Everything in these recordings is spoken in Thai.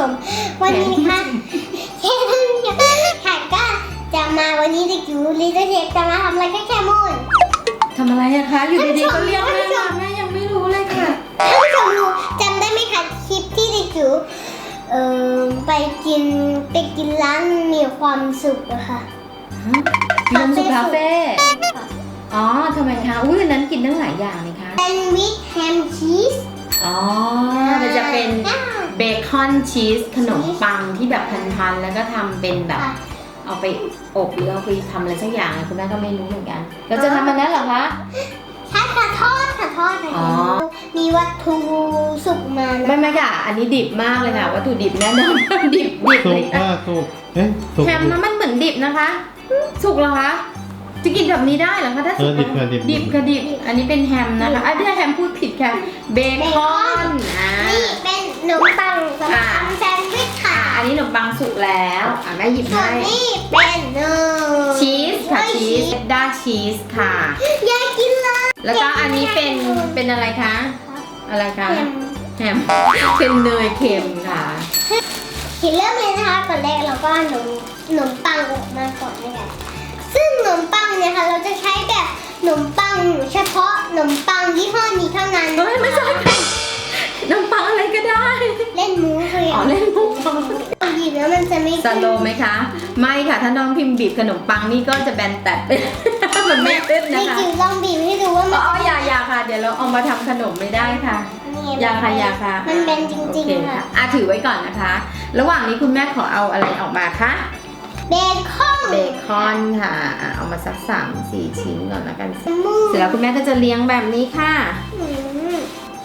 มวันนี้ค่ะเชฟค่ะก็จะมาวันนี้เด็กจิ๋วลิตเชฟจะมาทำอะไรคะแคมูนทำอะไรอะคะอยู่ดีๆก็เรียกแม่มาแม่ยังไม่รู้เลยค่ะท่านผู้ชมดูจำได้ไหมคะคลิปที่เด็กจิ๋วไปกินร้านมีความสุขอะค่ะมีความสุขคาเฟ่อ๋อทำไมคะอุ้ยวันนั้นกินตั้งหลายอย่างเลยคะแซนด์วิชแฮมชีสอ๋อมันจะเป็นเบคอนชีสขนมปังที่แบบพันๆแล้วก็ทำเป็นแบบเอาไปอบหรือเอาไปทำอะไรสักอย่างคุณแม่ก็ไม่รู้เหมือนกันเราจะทำมันนั้นเหรอคะใช่ค่ะทอดค่ะมีวัตถุสุกมานะไม่ค่ะอันนี้ดิบมากเลยค่ะวัตถุดิบแน่นอนดิบสุเลยกค่ะสุกเอ๊ะสุกแฮมนะมันเหมือนดิบนะคะสุกเหรอคะจะกินแบบนี้ได้เหรอคะถ้าสุกดิบค่ะดิบดิบค่ะดิบอันนี้เป็นแฮมนะคะอ่ะเดี๋ยวแฮมพูดผิดค่ะเบคอนนี่เป็นขนมปังสำหรับทำแซนด์วิชค่ะอันนี้ขนมปังสุกแล้วแม่หยิบส่วให้นนี่เป็นชีสค่ะชีสด้าชีสค่ะอยากกินเลยแล้วก็อันนี้เป็นอะไรคะอะไรคะเค็มแฮมเป็นเนยเค็มค่ะกินเริ่มเลยนะคะก่อนแรกเราก็ขนมปังออกมาก่อนนะคะซึ่งขนมปังเนี่ยค่ะเราจะใช้แบบขนมปังเฉพาะขนมปังยี่ห้อนี้เท่านั้นเฮ้ยไม่ใช่ค่ะขนมปังอะไรก็ได้เล่นมูคืออ๋อเล่นมุกหยิบแล้วมันจะไม่สโลไหมคะไม่ค่ะถ้าน้องพิมพ์บีบขนมปังนี่ก็จะแบนแตกเป็น มันไม่ขึ้นไม่นะคะจิ๋วลองบีบให้ดูว่ามันอ๋ออย่าค่ะเดี๋ยวเราเอามาทำขนมไม่ได้ค่ะ อย่าค่ะมันเป็นจริงโอเคๆค่ะถือไว้ก่อนนะคะ ระหว่างนี้คุณแม่ขอเอาอะไรออกมาคะเบคอนเบคอนค่ะเอามาสัก3-4 ชิ้นก่อนแล้วกันเสร็จแล้วคุณแม่ก็จะเลี้ยงแบบนี้ค่ะอืม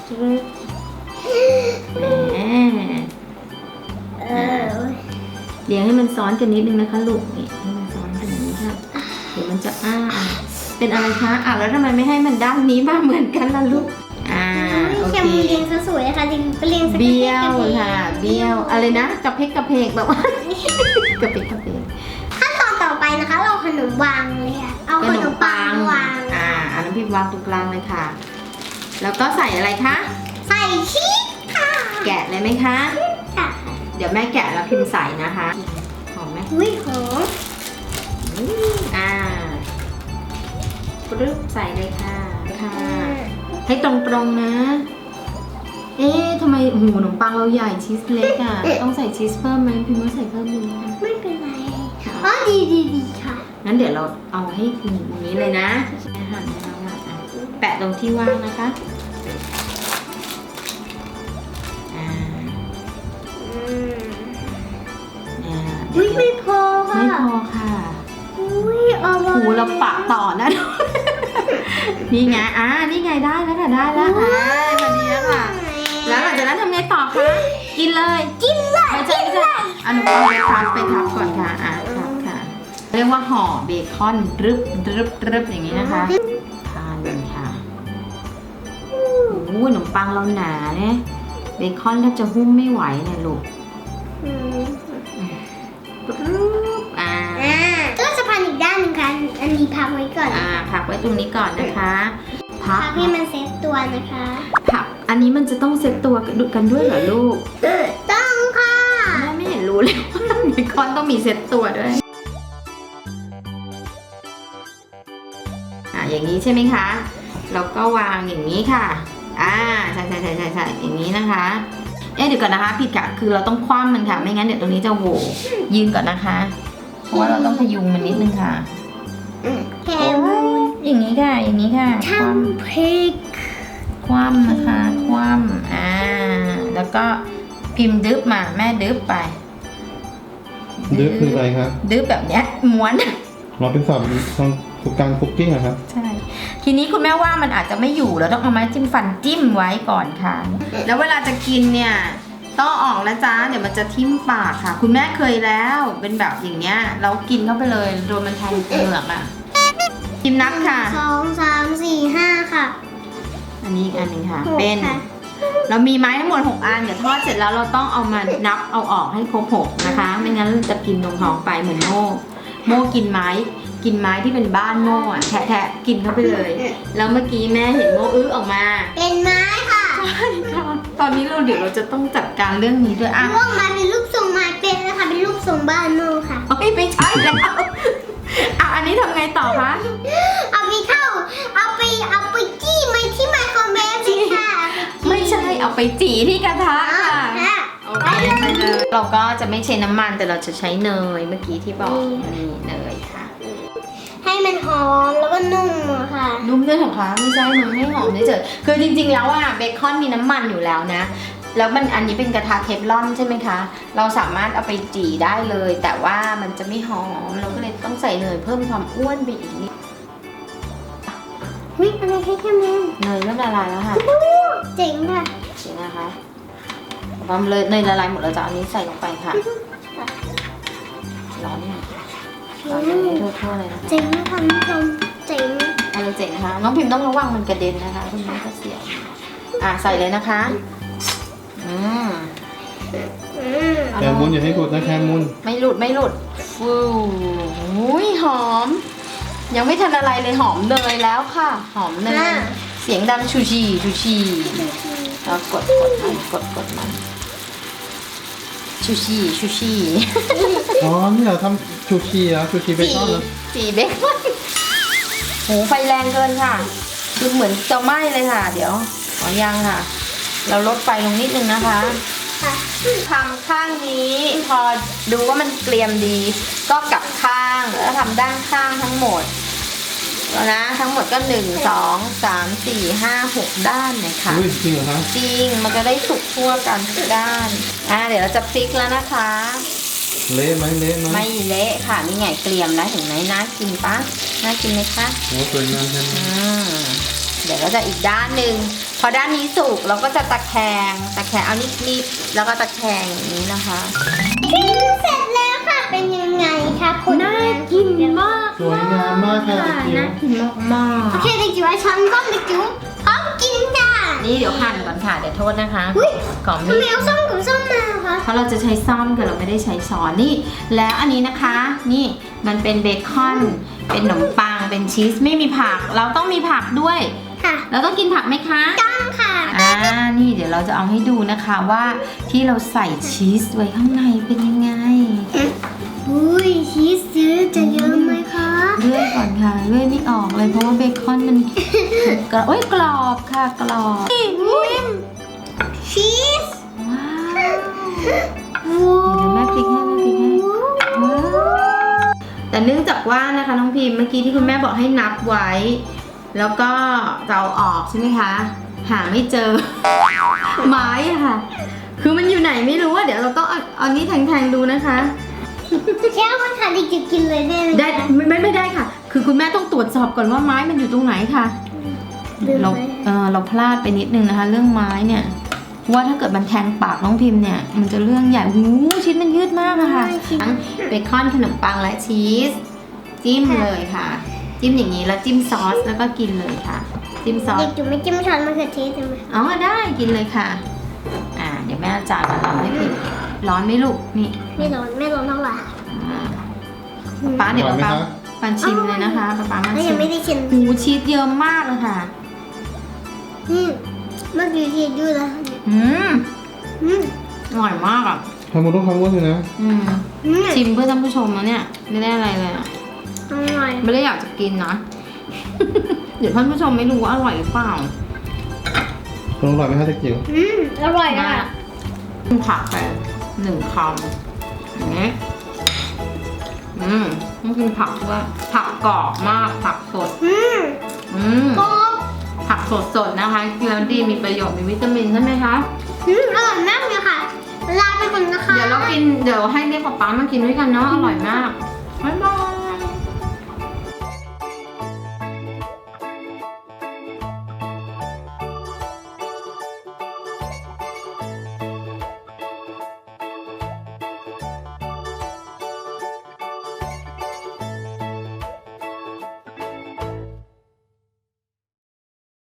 แหมเออเลี้ยงให้มันซ้อนกันนิดนึงนะคะลูกนี่ให้มันซ้อนกันอย่างนี้ค่ะเดี๋ยวมันจะเป็นอะไรคะแล้วทำไมไม่ให้มันด้านนี้บ้างเหมือนกันล่ะลูกโอแคเคมเรียงซะสวยนะคะจริงก็เรียงสักเบี้ยวค่ะเบี้ยวอะไรนะกระเพกกระเพกแบบว่ากระเพกกระเพกขั้นตอนต่อไปนะคะ เราขนมวางเลยค่ะเอาขนมปังวางอันนั้นพี่วางตรงกลางเลยค่ะ แล้วก็ใส่อะไรคะใส่ชีสค่ะแกะเลยไหมคะค่ะเดี๋ยวแม่แกะแล้วพิมพ์ใส่นะคะหอมไหมอุ้ยหอมปึ๊บใส่เลยค่ะให้ตรงๆนะ ทำไมหูขนมปังเราใหญ่ชีสเล็กอ่ะต้องใส่ชีสเพิ่มไหมพิมพ์ว่าใส่เพิ่มดีไหมคะไม่เป็นไรอ๋อดีค่ะงั้นเดี๋ยวเราเอาให้อย่างนี้เลยนะหั่นแล้วแปะตรงที่ว่างนะคะอุ้ยไม่พอค่ะไม่พอค่ะอุ้ยอร่อยหูเราปะต่อนะ นี่ไงนี่ไงได้แล้วค่ะได้แล้วพอดีแล้วค่ะ แล้วหลังจากนั้นทำไงต่อคะ กินเลยไม่ใช่หนูเอาไปทับก่อนค่ะทับค่ะ เรียกว่าห่อเบคอนรึบอย่างนี้นะคะ ทานกันค่ะโอ้โหขนมปังเราหนาเนี่ยเบคอนแทบจะหุ้มไม่ไหวเลยลูกก็จะพันอีกด้านหนึงค่ะอันนี้พักไว้ก่อนพักไว้ตรงนี้ก่อนนะคะพักให้มันเซ็ตตัวนะคะพักอันนี้มันจะต้องเซ็ตตัวกันด้วยเหรอลูกต้องค่ะแม่ไม่เห็นรู้เลยว่าเบคอนต้องมีเซ็ตตัวด้วยอย่างนี้ใช่ไหมคะแล้วก็วางอย่างนี้ค่ะใช่อย่างนี้นะคะเดี๋ยวก่อนนะคะผิดค่ะคือเราต้องคว่ำมันค่ะไม่งั้นเดี๋ยวตรงนี้จะโหว่ยืนก่อนนะคะเพราะว่าเราต้องพยุงมันนิดนึงค่ะแคมูอย่างนี้ค่ะคว่ทำพริกำคว่ำนะคะคว่ำแล้วก็พิมพ์ดึบมาแม่ดึบไปดึบคืออะไรครับดึบแบบเนี้ยม้วนเราเป็นสอบการคุกกิ้งอะครับใช่ทีนี้คุณแม่ว่ามันอาจจะไม่อยู่แล้วต้องเอาไม้จิ้มฟันจิ้มไว้ก่อนค่ะ แล้วเวลาจะกินเนี่ยต้องออกนะจ๊ะเดี๋ยวมันจะทิ่มปากค่ะ คุณแม่เคยแล้วเป็นแบบอย่างเงี้ยเรากินเข้าไปเลยโดนมันแทงเปลือกอ่ะพิมพ์นับค่ะ 2 3 4 5ค่ะอันนี้อีกอันหนึ่งค่ะ 6 เป็นค่ะเรามีไม้ทั้งหมด6 อันเดี๋ยวทอดเสร็จแล้วเราต้องเอามานับเอาออกให้ครบ6นะคะไม่งั้นจะกินลงท้องไปเหมือนโม่กินไม้ที่เป็นบ้านโม่อะแทะกินเข้าไปเลยแล้วเมื่อกี้แม่เห็นโม่ออกมาเป็นไม้ค่ะใช่ค่ะตอนนี้เดี๋ยวเราจะต้องจัดการเรื่องนี้ด้วยอ่ะร่วงมาเป็นรูปทรงไม้เป็นนะคะเป็นรูปทรงบ้านโน่ค่ะเฮ้ยไม่ใช่แล้วอ่ะอันนี้ทำไงต่อคะเอาไปจี้ไม้ที่ไมโครเวฟเลยค่ะไม่ใช่เอาไปจี่ที่กระทะค่ะค่ะโอเคไปเลยเราก็จะไม่ใช้น้ำมันแต่เราจะใช้เนยเมื่อกี้ที่บอกนี่เนยค่ะให้มันหอมแล้วก็นุ่มอะค่ะนุ่มด้วยเหรอคะไม่ใช่มันไม่หอมเฉยๆคือจริงๆแล้วอะเบคอนมีน้ำมันอยู่แล้วนะแล้วมันอันนี้เป็นกระทะเทฟลอนใช่ไหมคะเราสามารถเอาไปจี่ได้เลย แต่ว่ามันจะไม่หอมเราก็เลยต้องใส่เนยเพิ่มความอ้วนไปอีกนิดวิอะไรแค่แม่เนยเริ่มละลายแล้วค่ะเจ๋งค่ะจริงนะคะความเลยเนยละลายหมดแล้วจะเอาอันนี้ใส่ลงไปค่ะร้อนเนี่ยร้อนให้ทั่วๆเลยนะคะเจ๋งนะคะคุณผู้ชมเจ๋งอะไรเจ๋งนะคะน้องพิมพ์ต้องระวังมันกระเด็นนะคะคุณแม่ก็เสียวใส่เลยนะคะอืมแคมุนอย่าให้กดนะแคมุนไม่หลุดฟูอุ้ยหอม ยังไม่ทันอะไรเลยหอมเนยแล้วค่ะ หอมเนยเสียงดังชูชีแล้วกดมันชูชีอ๋อนี่เราทำชูชีเหรอชูชีเบคอนเหรอสีเบคอนโหไฟแรงเกินค่ะคือเหมือนจะไหม้เลยค่ะ เดี๋ยวยังค่ะ เราลดไฟลงนิดนึงนะคะค่ะทำข้างนี้พอดูว่ามันเกรียมดี ก็กลับข้างแล้วทำด้านข้างทั้งหมดแล้วนะทั้งหมดก็1 2 3 4 5 6ด้านเลยค่ะอุ้ยจริงเหรอคะจริงมันจะได้สุกทั่วกันทุกด้านเดี๋ยวเราจะพลิกแล้วนะคะเละไหมไม่เละค่ะนี่ไงเกรียมแล้วเห็นไหมน่ากินปะน่ากินไหมคะโอ้สวยงามแค่นี้เดี๋ยวเราจะอีกด้านหนึ่งพอด้านนี้สุกเราก็จะตะแคงเอานิดๆแล้วก็ตะแคงอย่างนี้นะคะกินเสร็จแล้วค่ะเป็นยังไงคะคุณน่ากินมากสวยงามมากค่ะจิ๋วน่ากินมากโอเคเด็กจิ๋วช้อนก้อนเด็กจิ๋วพร้อมกินค่ะนี่เดี๋ยวหั่นก่อนค่ะเดี๋ยวโทษนะคะอุ๊ยก่อนทำไมมีเอาส้มกับส้มมาคะเพราะเราจะใช้ซ่อมค่ะเราไม่ได้ใช้ช้อนนี่แล้วอันนี้นะคะนี่มันเป็นเบคอนเป็นขนมปังเป็นชีสไม่มีผักเราต้องมีผักด้วยค่ะเราต้องกินผักไหมคะต้องค่ะนี่เดี๋ยวเราจะเอาให้ดูนะคะว่าที่เราใส่ชีสไว้ข้างในเป็นยังไงอุ้ยชีสเยอะจะเยอะไหมคะเลื่อยก่อนค่ะเลื่อยไม่ออกเลยเพราะว่าเบคอนมันกรอบค่ะกรอบอุ้ยชีสว้าวว้าวเดี๋ยวแม่พลิกให้ว้าวแต่เนื่องจากว่านะคะน้องพิมพ์เมื่อกี้ที่คุณแม่บอกให้นับไว้ แล้วก็จะเอาออกใช่ไหมคะหาไม่เจอ ไม้อะค่ะ คือมันอยู่ไหนไม่รู้อะเดี๋ยวเราต้องเอานี้แทงๆดูนะคะแค่มันค่ะเด็กจิ๋วกินเลยได้ไหมได้ไม่ได้ค่ะ คือคุณแม่ต้องตรวจสอบก่อนว่าไม้มันอยู่ตรงไหนค่ะ เราพลาดไปนิดนึงนะคะ เรื่องไม้เนี่ยว่าถ้าเกิดมันแทงปากน้องพิมพ์เนี่ยมันจะเรื่องใหญ่หูชิ้นมันยืดมากอะค่ะทั้งเบคอนขนมปังและชีสจิ้มเลยค่ะ จิ้มอย่างนี้แล้วจิ้มซอสแล้วก็กินเลยค่ะ จิ้มซอสเด็กจิ๋วไม่จิ้มช้อนมะเขือเทศใช่ไหมอ๋อได้กินเลยค่ะเดี๋ยวแม่เอาจานมาทำให้พิมพ์ร้อนไหมลูกนี่ไม่ร้อนเท่าไหร่ป๊าเดี๋ยวอร่อยไหมป๊าคะปันชิมเลยนะคะป๊ามาแล้วชิยัมงไม่ได้ชิมหูชีสเยอะมากเลยค่ะเมื่อกี้ชีสยืดแล้วอร่อยมากอ่ะทำมันต้องทำว่าเลยนะชิมเพื่อท่านผู้ชมนะเนี่ยไม่ได้อะไรเลยอ่ะอร่อยไม่ได้อยากจะกินนะ เดี๋ยวท่านผู้ชมไม่รู้ว่าอร่อยหรือเปล่าอร่อยไหมคะเด็กจิ๋วอร่อยนะกินผักไป1 คำอย่างนี้ต้องกินผักด้วยผักกรอบมากผักสดกรอบผักสดๆนะคะกินแล้วดีมีประโยชน์มีวิตามินใช่ไหมคะอร่อยมากเลยค่ะลาไปก่อนนะคะเดี๋ยวให้เรียกป๊ามากินด้วยกันเนาะอร่อยมากบ๊ายบาย